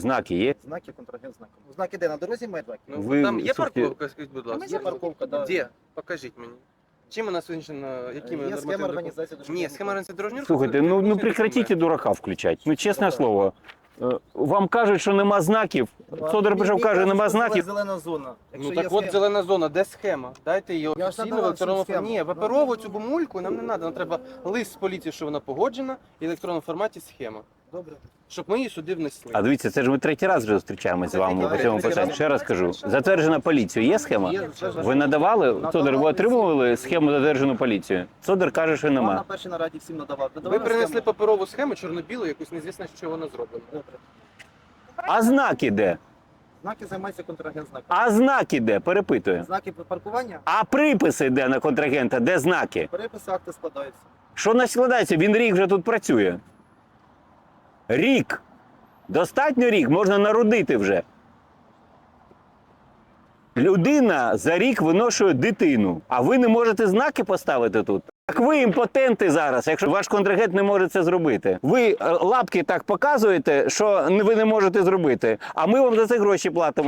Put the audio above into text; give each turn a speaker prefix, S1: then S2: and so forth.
S1: Знаки є?
S2: Знаки, контрагент знаком. Знаки де? На дорозі мають знаки?
S3: Ну,
S1: Ви,
S3: там є
S1: слухайте,
S3: парковка, скажіть, будь ласка?
S2: Є парковка, да.
S3: Де? Покажіть мені. Чим у нас визначено, якими
S2: Є схема організації
S3: Ні, схема організації дорожнього руху.
S1: Слухайте,
S3: це
S1: ну
S3: технічний
S1: прекратіть
S3: документ.
S1: дурака включати. Ну, чесне
S2: Ну,
S1: слово. Вам кажуть, що нема знаків. Содор прийшов, каже, нема знаків.
S2: Зелена зона.
S3: Ну так от зелена зона, де схема? Дайте її
S2: Я ж
S3: офіційно в
S2: надавав
S3: електронному
S2: всю
S3: форматі. Ні,
S2: схему.
S3: паперову цю бумульку нам не треба. Нам треба лист з поліції, що вона погоджена, і в електронному форматі схема.
S2: Добре.
S3: Щоб ми її сюди внесли.
S1: А дивіться, це ж ми третій раз вже зустрічаємося з вами по цьому
S3: Третій
S1: питанню.
S3: раз.
S1: Ще раз кажу. Затверджена поліцією. Є схема?
S2: Є,
S1: Ви надавали? Содор, ви отримували схему затверджену поліцією? Содор каже, що
S2: Вам на
S1: нема.
S2: першій нараді всім надавав.
S3: Ви принесли паперову схему, чорно-білу, якусь незвісно, що вона зроблена.
S2: Добре.
S1: А знаки де?
S2: Знаки займається контрагент знаком.
S1: А знаки де? Перепитую.
S2: Знаки паркування,
S1: А приписи де на контрагента? Де знаки?
S2: переписи, акти складаються.
S1: Що не складається? Він рік вже тут працює. Рік. Достатньо рік, можна народити вже. Людина за рік виношує дитину, а ви не можете знаки поставити тут. Так ви імпотенти зараз, якщо ваш контрагент не може це зробити. Ви лапки так показуєте, що ви не можете зробити, а ми вам за це гроші платимо.